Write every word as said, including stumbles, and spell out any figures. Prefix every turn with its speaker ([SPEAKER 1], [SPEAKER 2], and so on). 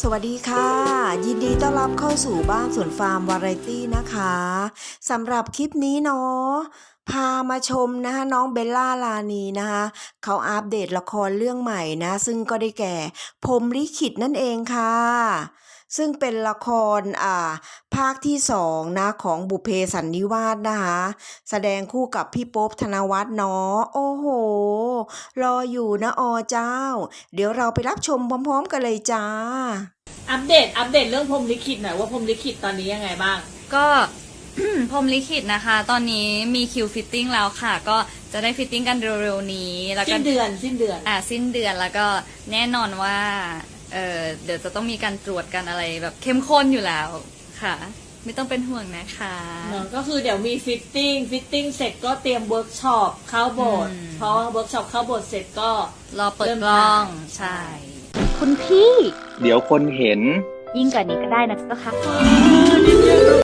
[SPEAKER 1] สวัสดีค่ะยินดีต้อนรับเข้าสู่บ้านสวนฟาร์มวาไรตี้นะคะสำหรับคลิปนี้เนาะพามาชมนะคะน้องเบลล่าลานีนะคะเขาอัปเดตละครเรื่องใหม่นะซึ่งก็ได้แก่พรหมลิขิตนั่นเองค่ะซึ่งเป็นละครอ่าภาคที่สองนะของบุพเพสันนิวาสนะคะแสดงคู่กับพี่โป๊ปธนวัฒน์เนาะโอ้โหรออยู่นะอเจ้าเดี๋ยวเราไปรับชมพร้อมๆกันเลยจ้า
[SPEAKER 2] อัปเดตอัปเดตเรื่องพรหมลิขิตหน่อยว่าพรหมลิขิตตอนนี้ยังไงบ้าง
[SPEAKER 3] ก็ พรหมลิขิตนะคะ ตอนนี้มีคิวฟิตติ้งแล้วค่ะ ก็จะได้ฟิตติ้งกันเร็วๆนี้แล้วก็
[SPEAKER 2] สิ้นเดือนสิ้นเดือน
[SPEAKER 3] อ่าสิ้นเดือนแล้วก็แน่นอนว่าเออเดี๋ยวจะต้องมีการตรวจกันอะไรแบบเข้มข้นอยู่แล้วค่ะ ไม่ต้องเป็นห่วงนะคะ
[SPEAKER 2] เนอะก็คือเดี๋ยวมีฟิตติ้งฟิตติ้งเสร็จก็เตรียมเวิร์กช็อปเข้าโบสถ์พอเวิร์กช็อปเข้าโบสถ์เสร็จก็
[SPEAKER 3] รอเปิดกล้องใช่
[SPEAKER 4] คุณพี่
[SPEAKER 5] เดี๋ยวคนเห็น
[SPEAKER 4] ยิ่งกว่านี้ก็ได้นะเจ้าค่ะ